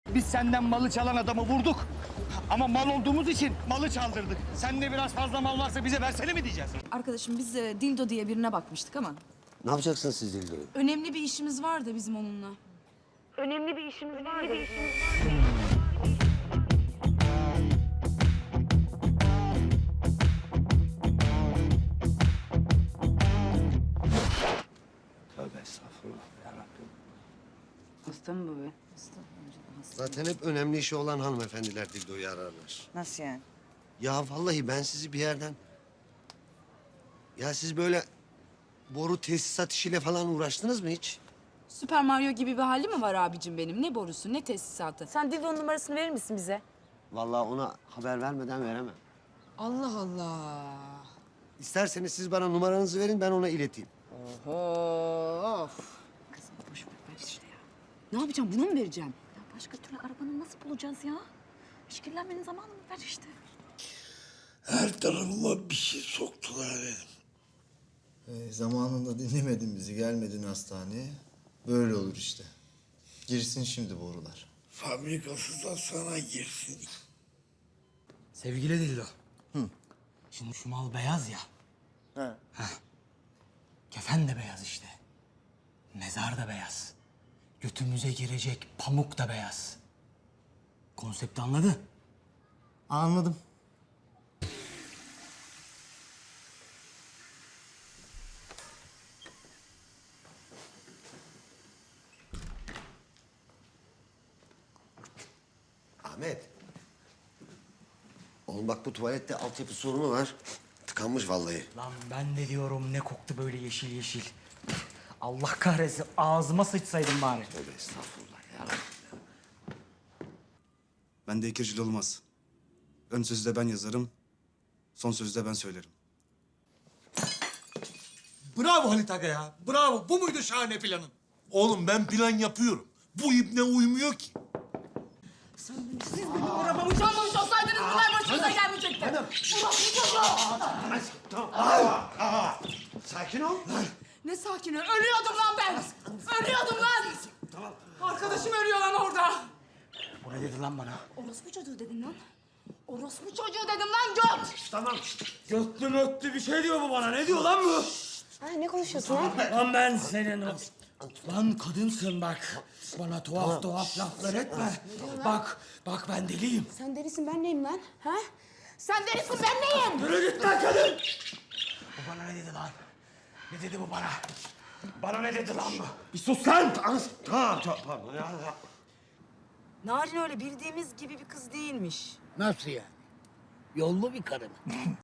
Biz senden malı çalan adamı vurduk. Ama mal olduğumuz için malı çaldırdık. Sende biraz fazla mal varsa bize versene mi diyeceğiz? Arkadaşım biz Dildo diye birine bakmıştık ama Ne yapacaksınız siz Dildo'yu? önemli bir işimiz vardı bizim onunla. Tövbe estağfurullah yarabbim. Hasta mı bu be? Zaten hep önemli işi olan hanımefendiler Dildo'yu ararlar. Nasıl yani? Ya vallahi ben sizi bir yerden... Ya siz böyle boru tesisat işiyle falan uğraştınız mı hiç? Süper Mario gibi bir hali mi var abicim benim? Ne borusu, ne tesisatı? Sen Dildo'nun numarasını verir misin bize? Vallahi ona haber vermeden veremem. Allah Allah. İsterseniz siz bana numaranızı verin, ben ona ileteyim. Of. Kızım boş ver işte ya. Ne yapacağım? Bunu mu vereceğim? Ya başka türlü arabanı nasıl bulacağız ya? İşkillenmenin zamanını ver işte. Her tarafıma bir şey soktular benim. Zamanında dinlemedin bizi, gelmedin hastaneye. Böyle olur işte. Girsin şimdi borular. Fabrikası da sana girsin. Sevgili Dildo. Şimdi şu mal beyaz ya. Heh. Kefen de beyaz işte. Mezar da beyaz. Götümüze girecek pamuk da beyaz. Konsepti anladın? Anladım. Ahmet. Oğlum bak bu tuvalette altyapı sorunu var. Tıkanmış vallahi. Lan ben de diyorum ne koktu böyle yeşil yeşil. Allah kahretsin ağzıma sıçsaydın bari. Tövbe estağfurullah ya. Bende ikircil olmaz. Ön sözü de ben yazarım, son sözü de ben söylerim. Bravo Halit Aga ya. Bravo. Bu muydu şahane planın? Oğlum ben plan yapıyorum. Bu ibne uymuyor ki. Arabamı çalmamış olsaydınız bunlar başınıza gelmeyecekti. Sakin ol. Ne sakini? Ölüyordum lan ben. Ölüyordum lan. Tamam. Arkadaşım ölüyor lan orada. Bu ne dedi lan bana? Orospu çocuğu dedim lan. Orospu çocuğu dedim lan göt. Götlü mötlü bir şey diyor bu bana. Ne diyor lan bu? Ay ne konuşuyorsun ha? Lan ben senin o... Lan kadınsın bak. Bana tuhaf tuhaf laflar etme. Bak ben deliyim. Sen delisin ben neyim lan? Ha? Sen delisin ben neyim? Yürü git lan kadın! Bu bana ne dedi lan? Ne dedi bu bana? Bana ne dedi lan bu? Bir sus lan! Tamam pardon ya. Narin öyle bildiğimiz gibi bir kız değilmiş. Nasıl yani? Yollu bir karı mı?